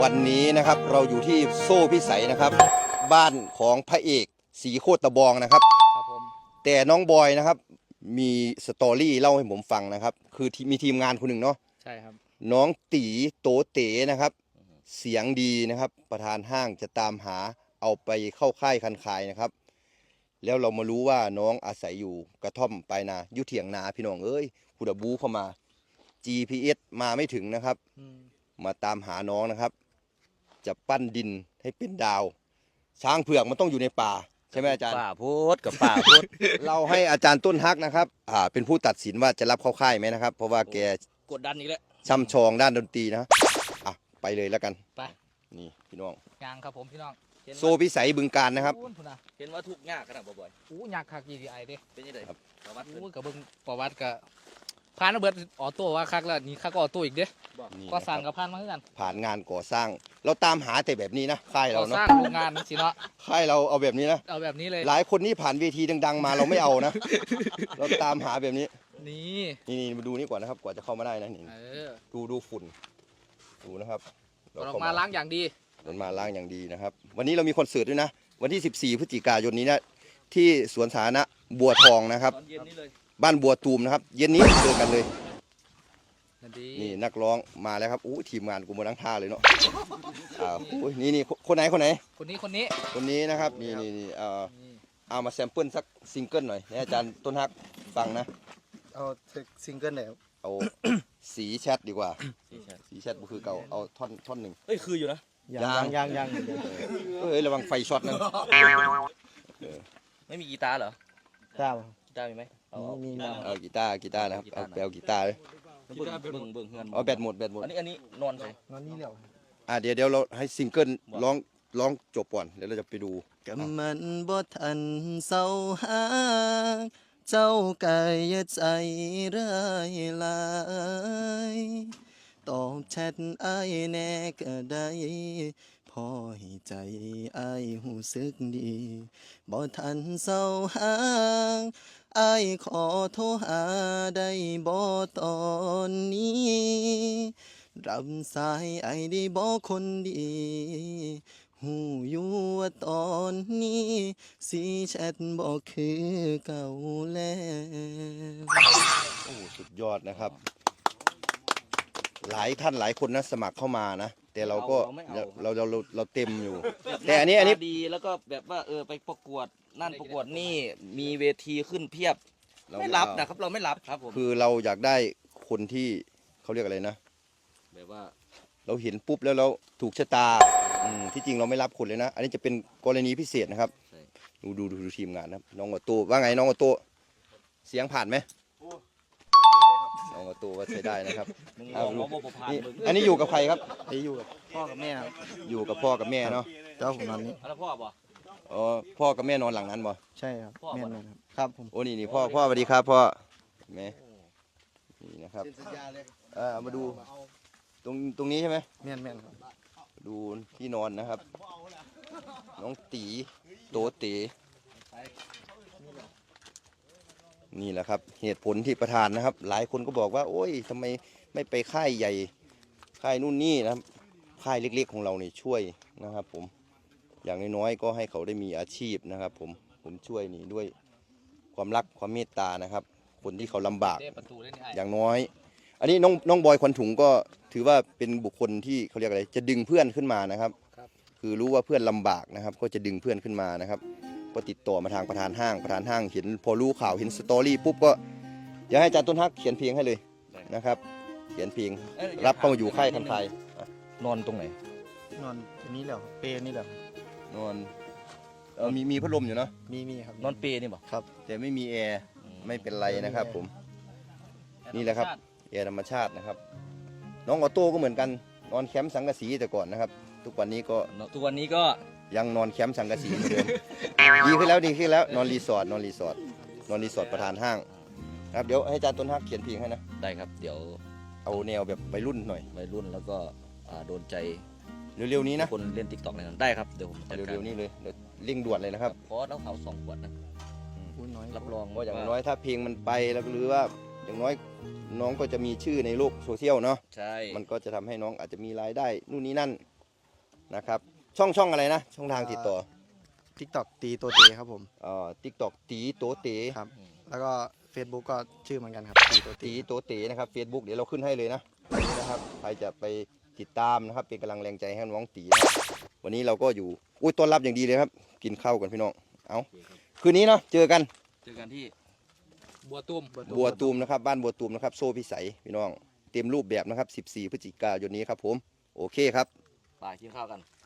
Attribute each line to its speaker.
Speaker 1: วันนี้นะครับเราอยู่ที่โซ่พิสัยนะครับบ้านของพระเอกสีโคตรตะบองนะครับ
Speaker 2: ครับผม
Speaker 1: แต่น้องบอยนะครับมีสตอรี่เล่าให้ผมฟังนะครับคือมีทีมงานคนหนึ่งเนาะ
Speaker 2: ใช่ครับ
Speaker 1: น้องตีโตเต๋นะครับเสียงดีนะครับประธานห้างจะตามหาเอาไปเข้าค่ายคันคายนะครับแล้วเรามารู้ว่าน้องอาศัยอยู่กระท่อมปลายนาอยู่เถียงนาพี่น้องเอ้ยผู้ดบูเข้ามา GPS มาไม่ถึงนะครับมาตามหาน้องนะครับจะปั้นดินให้เป็นดาวช้างเผือกมันต้องอยู่ในป่าใช่ไหมอาจารย์
Speaker 2: ป่าพูดกับป่าพูด
Speaker 1: เราให้อาจารย์ต้นฮักนะครับเป็นผู้ตัดสินว่าจะรับเข้าค่ายไหมนะครับเพราะว่าแก
Speaker 2: กดดันอีกแล้ว
Speaker 1: ช่ำชองด้านดนตรีนะไปเลยแล้วกัน
Speaker 2: ไป
Speaker 1: นี่พี่น้อง
Speaker 2: ยางครับผมพี่น้อง
Speaker 1: โซพิสัยบึงการนะครับ
Speaker 2: เห็นว่าทุกยากขนาดบ่อยยากคัก GTI เด้เป็นยังไงครับประวัติกับเบิ้งประวัติกับผ่านเบิดออโต้ว่าคักแล้วนี่คักก็ออโต้อีกเด้ก็สั่งกับผ่านมาเหมือนกัน
Speaker 1: ผ่านงานก่อสร้างเราตามหาแต่แบบนี้นะค่ายเราเนาะ
Speaker 2: สร้างโรงงานสิเนาะ
Speaker 1: ค่ายเราเอาแบบนี้นะ
Speaker 2: เอาแบบนี้เลย
Speaker 1: หลายคนนี่ผ่านเวทีดังๆมาเราไม่เอานะ เราตามหาแบบนี้นี่มาดูนี่ก่อนนะครับกว่าจะเข้ามาได้นะนี่ดูฝุ่นดูนะครับ
Speaker 2: ออกมาล้างอย่างดี
Speaker 1: มันมาล้างอย่างดีนะครับวันนี้เรามีคอนเสิร์ตด้วยนะวันที่14พฤศจิกายนนี้นะที่สวนสาธารณะบัวทองนะครับบ้านบัวตูมนะครับเย็นนี้เจอกันเลยนี่นักร้องมาแล้วครับทีมงานกูมาทั้งท่าเลยเนาะนี่คนไหน
Speaker 2: คนนี้
Speaker 1: นะครับนี่เอามาแซมเปิลสักซิงเกิลหน่อยให้อาจารย์ต้นฮักฟังนะ
Speaker 3: เอาซิงเกิลไหน
Speaker 1: เอาสีแชทดีกว่าสีแชทก็คือเก่าเอาท่อนหนึ่ง
Speaker 2: คืออยู่นะ
Speaker 3: ยัง
Speaker 1: ระวังไฟช็อตนั่น
Speaker 2: ไม่มีกีตาร์เหรอ
Speaker 3: กีตาร์
Speaker 2: มีไหม
Speaker 3: มี
Speaker 1: กีตาร์นะครับเอาแปลกีตาร์เลย
Speaker 2: เบิ่งเงิน
Speaker 1: แบตหมด
Speaker 2: อันนี้นอนใช่
Speaker 3: นอนนี่เหร
Speaker 1: อเดี๋ยวเราให้ซิงเกิลร้องจบก่อนเดี๋ยวเราจะไปดู
Speaker 3: กับมันบ่ทันเศร้าหาเจ้าไก่ใจร้ายลายตอบแชทอ้ายแน่ก็ได้พอให้ใจอ้ายหูสึกดีบ่ทันเศร้าหาอ้ายขอโทรหาได้บ่ตอนนี้รับสายอ้ายได้บ่คนดีหูอยู่ว่าตอนนี้สีแชทบ่คือเก่าแล้ว
Speaker 1: สุดยอดนะครับหลายท่านหลายคนนะสมัครเข้ามานะแต่เราก็เราเต็มอยู่แต่อันนี้
Speaker 2: ดีแล้วก็แบบว่าไปประกวดนั่นประกวดนี่มีเวทีขึ้นเพียบไม่รับนะครับเราไม่รับครับผม
Speaker 1: คือเราอยากได้คนที่เขาเรียกอะไรนะ
Speaker 2: แบบว่า
Speaker 1: เราเห็นปุ๊บแล้วเราถูกชะตาที่จริงเราไม่รับคนเลยนะอันนี้จะเป็นกรณีพิเศษนะครับดูทีมงานนะน้องออโต้ว่าไงน้องออโต้เสียงผ่านไหมน้องออโต้ว่าใช้ได้นะครับอันนี้อยู่กับใครครับ
Speaker 3: อยู่กับพ่อกับแม่ครับ
Speaker 1: อยู่กับพ่อกับแม่เนาะ
Speaker 3: เจ้าผมนอนนี้
Speaker 2: แล้วพ่อบ่
Speaker 1: พ่อกับแม่นอนหลังนั้นบ่
Speaker 3: ใช่ครับแม่ครับผม
Speaker 1: โอ้นี่พ่อสวัสดีครับพ่อแม่นี่นะครับมาดูตรงนี้ใช่ไหม
Speaker 3: แม่ครับ
Speaker 1: ดูที่นอนนะครับน้องตีโตเต๋นี่แหละครับเหตุผลที่ประธานนะครับหลายคนก็บอกว่าโอ้ยทำไมไม่ไปค่ายใหญ่ค่ายนู่นนี่นะค่ายเล็กๆของเราเนี่ยช่วยนะครับผมอย่างน้อยๆก็ให้เขาได้มีอาชีพนะครับผมช่วยนี่ด้วยความรักความเมตตานะครับคนที่เขาลำบากอย่างน้อยอันนี้น้องบอยควันถุงก็ถือว่าเป็นบุคคลที่เขาเรียกอะไรจะดึงเพื่อนขึ้นมานะครับคือรู้ว่าเพื่อนลำบากนะครับก็จะดึงเพื่อนขึ้นมานะครับก็ติดต่อมาทางประธานห้างเห็นพอรู้ข่าวเห็นสตอรี่ปุ๊บก็อยากให้อาจารย์ต้นฮักเขียนเพลงให้เลยนะครับเขียนเพลงรับเข้ามาอยู่ค่ายคันไทย
Speaker 2: นอนตรงไหน
Speaker 3: นอนนี้แหละเปนี่แหละ
Speaker 1: นอนมีพัดลมอยู่เนาะ
Speaker 3: มีครับ
Speaker 2: นอนเปนี่บ่
Speaker 1: ครับแต่ไม่มีแอร์ไม่เป็นไรนะครับผมนี่แหละครับแอร์ธรรมชาตินะครับน้องออโต้ก็เหมือนกันนอนแคมป์สังกะสีแต่ก่อนนะครับทุกวันนี้ก็ยังนอนแคมป์สังกะสีเหมือนเดิมดีขึ้นแล้วนอนรีสอร์ทประธานห้างครับเดี๋ยวให้อาจารย์ต้นฮักเขียนเพลงให้นะ
Speaker 2: ได้ครับเดี๋ยว
Speaker 1: เอาแนวแบบวัยรุ่นหน่อย
Speaker 2: วัยรุ่นแล้วก็โดนใจ
Speaker 1: เร็วๆนี้นะ
Speaker 2: คนเล่น TikTok ในนั้นได้ครับเดี๋ยวผม
Speaker 1: เร็วๆนี้เลยเร่งด่วนเลยนะครับ
Speaker 2: เพราะเราเขา2 ขวดนะรับรอง
Speaker 1: ว่าอย่างน้อยถ้าเพลงมันไปแล้วหรือว่าอย่างน้อยน้องก็จะมีชื่อในโลกโซเชียลเนาะ
Speaker 2: ใช่
Speaker 1: มันก็จะทำให้น้องอาจจะมีรายได้นู่นนี่นั่นนะครับช่องอะไรนะช่องทางติดต่อ
Speaker 3: TikTok ตีตัวเตครับผม
Speaker 1: TikTok ตีโตเต
Speaker 3: ครับแล้วก็ Facebook ก็ชื่อเหมือนกันครับตีตัวเต
Speaker 1: ตีโตเตนะครับ Facebook เดี๋ยวเราขึ้นให้เลยนะนะครับใครจะไปติดตามนะครับเป็นกำลังแรงใจให้น้องตีนะครับวันนี้เราก็อยู่อุ้ยต้อนรับอย่างดีเลยครับกินข้าวกันพี่น้องเอาคืนนี้เนาะเจอกัน
Speaker 2: ที่บัวตุ้ม
Speaker 1: บัวตูมนะครับบ้านบัวตูมนะครับโซ่พิสัยพี่น้องเต็มรูปแบบนะครับ14 พฤศจิกายนนี้ครับผมโอเคครับ
Speaker 2: ไปกินข้าวกัน